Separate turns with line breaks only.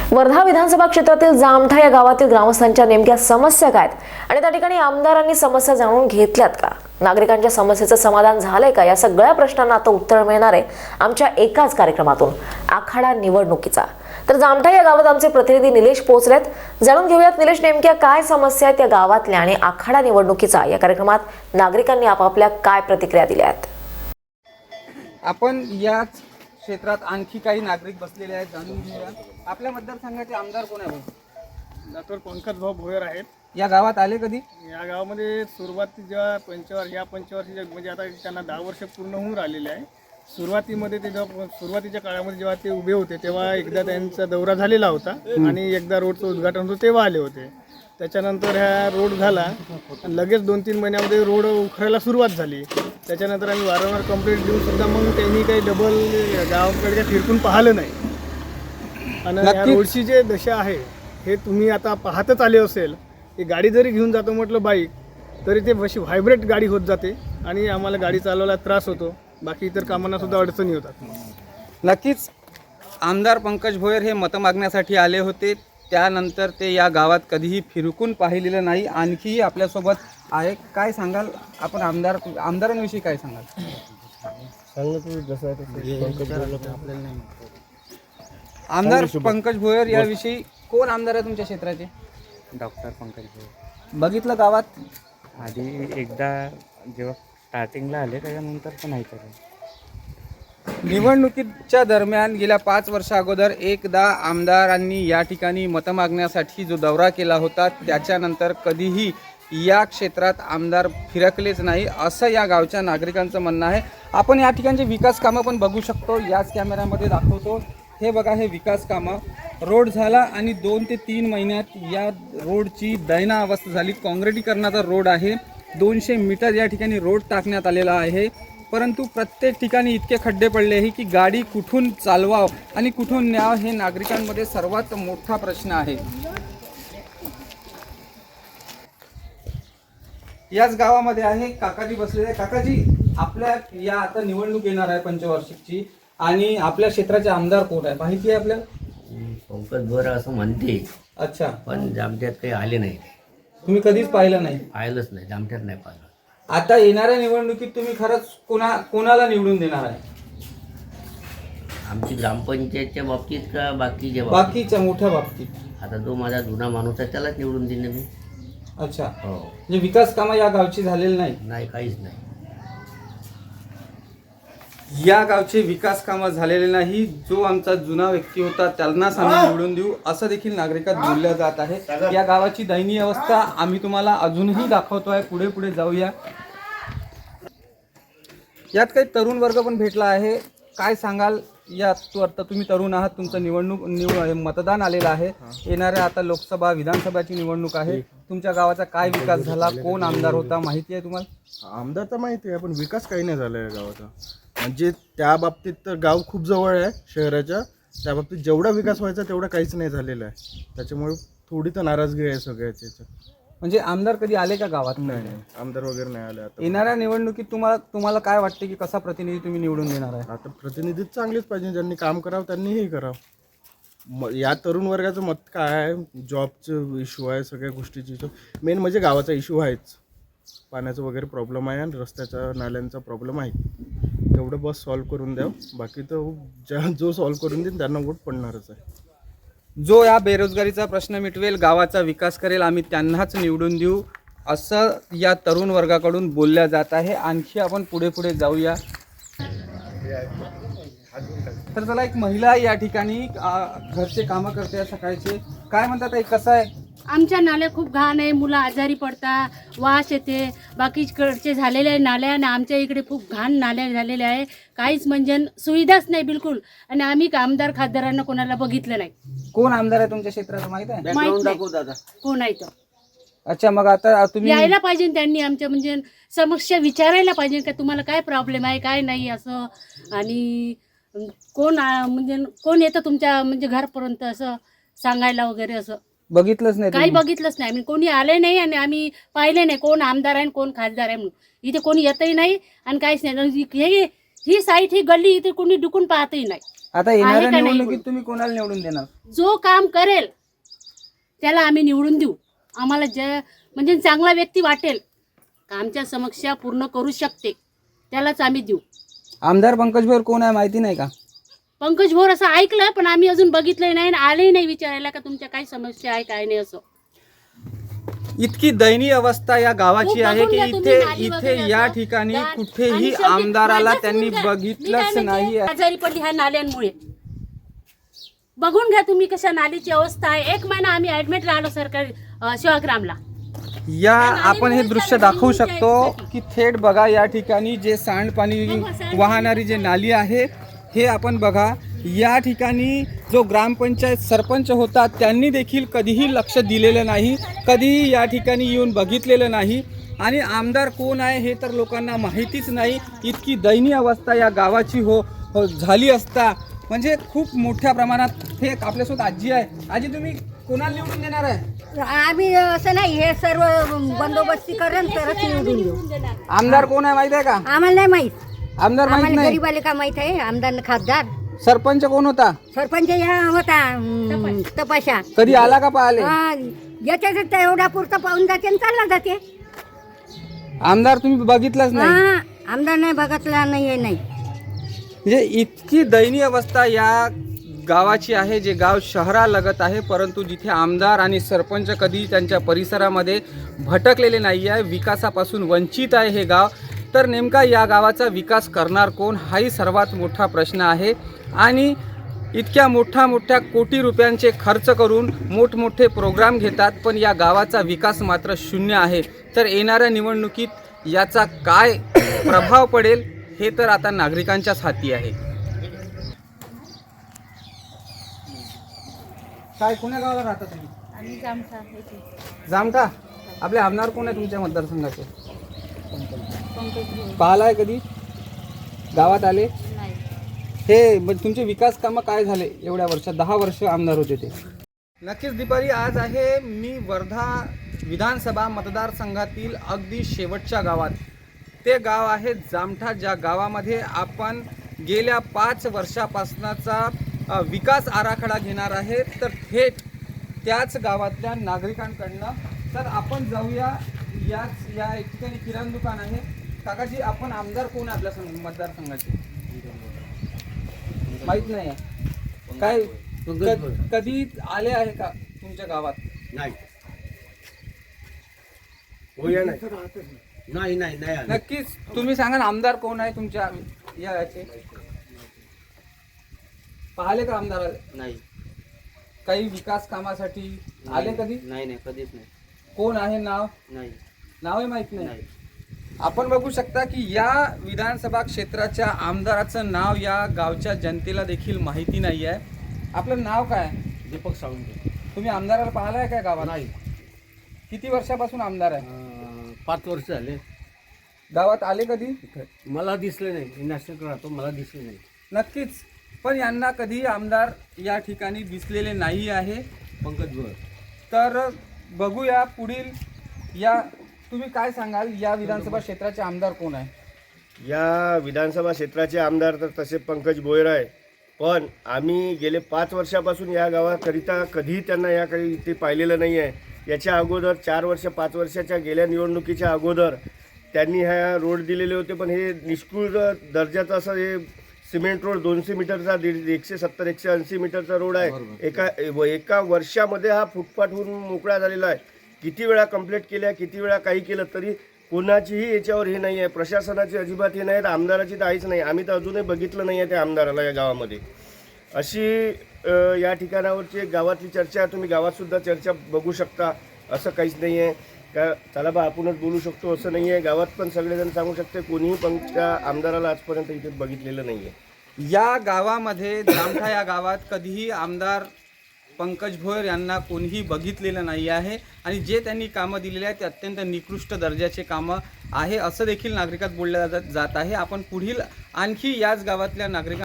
वर्धा विधानसभा क्षेत्रातील जामठा या गावातील ग्रामस्थांच्या नेमक्या समस्या काय आणि त्या ठिकाणी आमदारांनी समस्या जाणून घेतल्यात का, नागरिकांच्या समस्येचं समाधान झालंय का, या सगळ्या प्रश्नांना आता उत्तर मिळणार आहे आमच्या एकाच कार्यक्रमातून, आखाडा निवडणुकीचा। तर जामठा या गावात आमचे प्रतिनिधी निलेश पोहोचलेत। जाणून घेऊयात निलेश, नेमक्या काय समस्या आहेत या गावातल्या आणि आखाडा निवडणुकीचा या कार्यक्रमात नागरिकांनी आपापल्या काय प्रतिक्रिया दिल्या आहेत।
आपण याच क्षेत्रात आणखी काही नागरिक बसलेले आहेत, जाणून घेऊया। आपल्या मतदारसंघाचे आमदार कोण आहेत?
डॉक्टर पंकज भाऊ भोयर आहेत।
या गावात आले कधी?
या गावामध्ये सुरुवातीच्या पंचवार्षिक म्हणजे आता त्यांना 10 वर्ष पूर्ण होऊन राहिलेले आहे। सुरुवातीमध्ये ते सुरुवातीच्या काळामध्ये जेव्हा ते उभे होते तेव्हा एकदा त्यांचा दौरा झालेला होता आणि एकदा रोडचं उद्घाटन होतं तेव्हा आले होते। त्याच्यानंतर हा रोड झाला, लगेच 2-3 महिन्यामध्ये रोड उखरायला सुरुवात झाली। त्याच्यानंतर आम्ही वारंवार कंप्लेंट देऊन सुद्धा मग त्यांनी काही डबल गावाकडे फिरकून पाहिलं नाही। आणि या रोडची जे दशा आहे हे तुम्ही आता पाहतच आले असेल। ही गाडी जरी घेऊन जातो म्हटलं बाईक, तरी ते अशी व्हायब्रेट गाडी होत जाते आणि आम्हाला गाडी चालवायला त्रास होतो, बाकी इतर कामांना सुद्धा अडचणी होतात।
नक्कीच आमदार पंकज भोयर हे मतं मागण्यासाठी आले होते, त्यानंतर ते या गावात कधीही फिरकून पाहिलेलं नाही। आणखी आपल्यासोबत आहे, काय सांगाल आपण आमदारांविषयी काय सांगाल? आमदार पंकज भोयर याविषयी कोण आमदार आहे तुमच्या क्षेत्राचे?
डॉक्टर पंकज भोयर।
बघितलं गावात
आधी एकदा जेव्हा स्टार्टिंगला आले त्याच्यानंतर पण नाही तर
निवडणुकीच्या दरम्यान गेल्या 5 वर्षा अगोदर एकदा आमदारांनी या ठिकाणी मतं मागण्यासाठी जो दौरा केला होता, त्याच्यानंतर कधीही या क्षेत्रात आमदार फिरकलेच नाही असं या गावच्या नागरिकांचं म्हणणं आहे। आपण या ठिकाणचे विकास कामं पण बघू शकतो, याच कॅमेऱ्यामध्ये दाखवतो। हे बघा, हे विकास कामं रोड झाला आणि 2 ते 3 महिन्यात या रोडची दयनीय अवस्था झाली। काँक्रिटीकरणाचा रोड आहे, 200 मीटर या ठिकाणी रोड टाकण्यात आलेला आहे, परंतु प्रत्येक ठिकाणी इतके खड्डे पडले आहे की गाडी कुठून चालवाव आणि कुठून न्याव हे नागरिकांमध्ये सर्वात मोठा प्रश्न आहे। याच गावामध्ये आहे काकाजी बसलेले। काकाजी, आपल्या या आता निवडणूक येणार आहे पंचवार्षिकची आणि आपल्या क्षेत्राचे आमदार कोण आहे माहिती आहे आपल्याला?
पंकज भोयर असं म्हणते।
अच्छा,
पण जामठ्यात काही आले नाही,
तुम्ही कधीच पाहिलं नाही?
पाहिलंच नाही, जामठ्यात नाही पाहिलं।
आता येणाऱ्या निवडणुकीत तुम्ही खरंच कोणाला निवडून देणार आहे?
आमची ग्रामपंचायतच्या बाबतीत का बाकीच्या
बाकीच्या मोठ्या बाबतीत?
आता जो माझा जुना माणूस आहे त्यालाच निवडून देणे मी।
अच्छा,
हो,
म्हणजे विकास कामं या गावची झालेली नाही?
नाही, काहीच नाही।
या गावचे विकास कामं झालेले नाही, जो आमचा जुना व्यक्ती होता त्यांनाच आम्ही निवडून देऊ असं देखील नागरिकात बोललं जात आहे। या गावाची दयनीय अवस्था आम्ही तुम्हाला अजूनही दाखवतो आहे, पुढे पुढे जाऊया। यात काही तरुण वर्ग पण भेटला आहे, काय सांगाल? आता तुम्ही तरुण आहात, तुमचं मतदान आलेलं आहे, येणाऱ्या आता लोकसभा विधानसभाची निवडणूक आहे, तुमच्या गावाचा काय विकास झाला, कोण आमदार होता माहिती आहे तुम्हाला?
आमदार तर माहिती आहे, पण विकास काही नाही झाला या गावाचा। म्हणजे त्या बाबतीत तर गाव खूप जवळ आहे शहराच्या, त्या बाबतीत जेवढा विकास व्हायचा तेवढा काहीच नाही झालेला आहे। त्याच्यामुळे थोडी तर नाराजगी आहे सगळ्याची।
म्हणजे आमदार कधी आले का गावात?
नाही, आमदार वगैरे नाही आले। आता
येणाऱ्या निवडणुकीत तुम्हाला काय वाटते की कसा प्रतिनिधी तुम्ही निवडून देणार आहे?
आता प्रतिनिधी चांगलेच पाहिजे, ज्यांनी काम करावं त्यांनी हे करावं। या तरुण वर्गाचं मत काय आहे? जॉबचं इश्यू आहे, सगळ्या गोष्टीची इश्यू, मेन म्हणजे गावाचा इश्यू आहेच। पाण्याचा वगैरे प्रॉब्लेम आहे आणि रस्त्याचा नाल्यांचा प्रॉब्लेम आहे, तेवढं बस सॉल्व्ह करून द्यावं। बाकी तर जो सॉल्व्ह करून देईन त्यांना वोट पडणारच आहे।
जो या बेरोजगारीचा प्रश्न मिटवेल, गावाचा विकास करेल, आम्ही त्यांनाच निवडून देऊ असं या तरुण वर्गाकडून बोलल्या जात आहे। आणखी आपण पुढे पुढे जाऊया। तर चला, एक महिला या ठिकाणी घरचे कामं करते सकाळचे, काय म्हणतात ताई, कसं आहे?
आमच्या नाल्या खूप घाण आहे, मुलं आजारी पडतात, वास येते, बाकीकडचे झालेले आहे नाल्या आणि आमच्या इकडे खूप घाण नाल्या झालेल्या आहे, काहीच म्हणजे सुविधाच नाही बिलकुल। आणि आम्ही आमदार खासदारांना कोणाला बघितलं नाही।
कोण आमदार आहे तुमच्या क्षेत्रात माहित आहे?
माहित नाही कोण आहे तो।
अच्छा, मग आता तुम्ही
यायला पाहिजे, त्यांनी आमच्या म्हणजे समस्या विचारायला पाहिजे का तुम्हाला काय प्रॉब्लेम आहे काय नाही असं, आणि म्हणजे कोण येतं तुमच्या म्हणजे घरापर्यंत असं सांगायला वगैरे, असं
बघितलंच नाही?
काही बघितलंच नाही, आम्ही कोणी आले नाही आणि आम्ही पाहिले नाही कोण आमदार आहे कोण खासदार आहे म्हणून। इथे कोणी येतही नाही आणि काहीच नाही। ही साईट, ही गल्ली इथे कोणी डुकून पाहतही नाही।
आता येणाऱ्या
आहे का नाही?
निवडणुकीत तुम्ही कोणाला निवडून देणार?
जो काम करेल त्याला आम्ही निवडून देऊ. आम्हाला म्हणजे चांगला व्यक्ती वाटेल का आमच्या समस्या पूर्ण करू शकते त्यालाच आम्ही देऊ.
आमदार पंकज भोयर कोण आहे माहिती नाही का?
पंकज भोर असं ऐकलं पण आम्ही अजून बघितलंय नाही आणि आलेही नाही विचारायला का तुमच्या काय समस्या आहे काय नाही असं.
इतकी दयनीय अवस्था या गावाची
खूप
आहे
बघून
की
घ्या तुम्ही
इथे
नाली
इथे
वगैरे
या
असं.
ठिकाणी
आणि
कुठेही
शेवटी
आमदाराला
मलाच
त्यांनी
बघून घ्या. मी
बघितलंच
काय
नाही.
म्हणते, आजारी पडली ह्या नाल्यांमुळे. बघून घ्या तुम्ही कशा नालीची अवस्था आहे. 1 महिना आम्ही ऍडमिट राहिलो सरकारी सेवाग्रामला.
या आपण हे दृश्य दाखवू शकतो की थेट बघा या ठिकाणी जे सांडपाणी वाहणारी जे नाली आहे हे आपण बघा. या ठिकाणी जो ग्रामपंचायत सरपंच होता त्यांनी देखील कधीही लक्ष दिलेलं नाही, कधीही या ठिकाणी येऊन बघितलेलं नाही आणि आमदार कोण आहे हे तर लोकांना माहितीच नाही. इतकी दयनीय अवस्था या गावाची झाली असता म्हणजे खूप मोठ्या प्रमाणात. हे आपल्यासोबत आजी आहे. आजी तुम्ही कोणाला निवडून देणार आहे?
आम्ही असं नाही, हे सर्व बंदोबस्ती करेन तरच निवडून देऊ.
आमदार कोण आहे माहिती आहे का?
आम्हाला नाही माहित.
आमदार माहित
आम्हाला
नाही.
गरीबाले का माहित आहे? आमदार खासदार
सरपंच कोण होता?
सरपंच या होता तपाशा.
कधी आला का पाहिले?
याच्यात एवढा पुरता पाहून जाते आणि चालला जाते.
आमदार तुम्ही बघितलंच नाही.
हा, आमदार नाही बघितला नाही हे नाही.
म्हणजे इतकी दयनीय अवस्था या गावाची आहे, जे गाव शहरालगत आहे परंतु जिथे आमदार आणि सरपंच कधी त्यांच्या परिसरामध्ये भटकलेले नाही आहे. विकासापासून वंचित आहे हे गाव. तर नेमका या गावाचा विकास करणार कोण हाही सर्वात मोठा प्रश्न आहे. आणि इतक्या मोठ्या कोटी रुपयांचे खर्च करून मोठमोठे प्रोग्राम घेतात पण या गावाचा विकास मात्र शून्य आहे. तर येणाऱ्या निवडणुकीत याचा काय प्रभाव पडेल हे तर आता नागरिकांच्याच हाती आहे. काय कोण्या गावाला राहता तुम्ही? जामठा. आपले आमदार कोण आहे तुमच्या मतदारसंघाचे? पाहिलाय कधी? गावात आले? हे म्हणजे तुमचे विकास कामं काय झाले एवढ्या वर्षात? 10 वर्ष आमदार होते ते. नक्कीच दीपाली, आज आहे मी वर्धा विधानसभा मतदारसंघातील अगदी शेवटच्या गावात. ते गाव आहे जामठा, ज्या गावामध्ये आपण गेल्या 5 वर्षापासूनचा विकास आराखडा घेणार आहे. तर थेट त्याच गावातल्या नागरिकांकडनं तर आपण जाऊया. या एक ठिकाणी किराणा दुकान आहे. काकाजी, आपण आमदार कोण आहे आपल्या मतदारसंघाचे? माहित नाही आहे काय? कधी आले आहे का तुमच्या गावात?
नाही.
नक्कीच तुम्ही सांगा ना, आमदार कोण आहे तुमच्या याचे? पाहिले का आमदार आले?
नाही
काही विकास कामासाठी आले कधी?
नाही कधीच नाही.
कोण आहे? नाव आहे माहित नाही. आपण बघू शकता की या विधानसभा क्षेत्राच्या आमदाराचं नाव या गावच्या जनतेला देखील माहिती नाही आहे. आपलं नाव काय?
दीपक सावंत.
तुम्ही आमदाराला पाहिलाय काय गावात?
नाही.
किती वर्षापासून आमदार आहे?
5 वर्ष झाले.
गावात आले कधी?
मला दिसले नाही. नॅशनल राहतो, मला दिसले नाही.
नक्कीच, पण यांना कधी आमदार या ठिकाणी दिसलेले नाही आहे.
पंकज भोयर.
तर बघूया पुढील. या तुम्ही काय सांगाल, या विधानसभा क्षेत्राचे आमदार कोण आहे?
या विधानसभा क्षेत्राचे आमदार तर तसे पंकज भोयर आहे, पण आम्ही गेले 5 वर्षापासून या गावाकरिता कधीही त्यांना या काही इथे पाहिलेलं नाही आहे. याच्या अगोदर 4 वर्ष 5 वर्षाच्या गेल्या निवडणुकीच्या अगोदर त्यांनी हा रोड दिलेले होते, पण हे निष्कृळ दर्जाचं असं हे सिमेंट रोड 200 मीटरचा 170-180 मीटरचा रोड आहे. एका वर्षामध्ये हा फुटपाथ होऊन मोकळा झालेला आहे. किती वेळा कंप्लेंट केल्या, किती वेळा काही केलं तरी कोणाचीही याच्यावर हे नाही आहे. प्रशासनाची अजिबात हे नाही, तर आमदाराची तर आहेच नाही. आम्ही तर अजूनही बघितलं नाही आहे त्या आमदाराला या गावामध्ये. अशी या ठिकाणावरची गावातली चर्चा तुम्ही गावातसुद्धा चर्चा बघू शकता. असं काहीच नाही आहे का चला बा आपणच बोलू शकतो असं नाही आहे. गावात पण सगळेजण सांगू शकते, कोणीही पण त्या आमदाराला आजपर्यंत इथे बघितलेलं नाही आहे.
या गावामध्ये जामठा या गावात कधीही आमदार पंकज भोयर यांना कोणीही बघितलेलं नाही आहे आणि जे त्यांनी कामं दिलेली आहेत ते अत्यंत निकृष्ट दर्जाचे कामं आहे असं देखील नागरिकात बोललं जात आहे. आपण पुढील आणखी याच गावातल्या नागरिकांना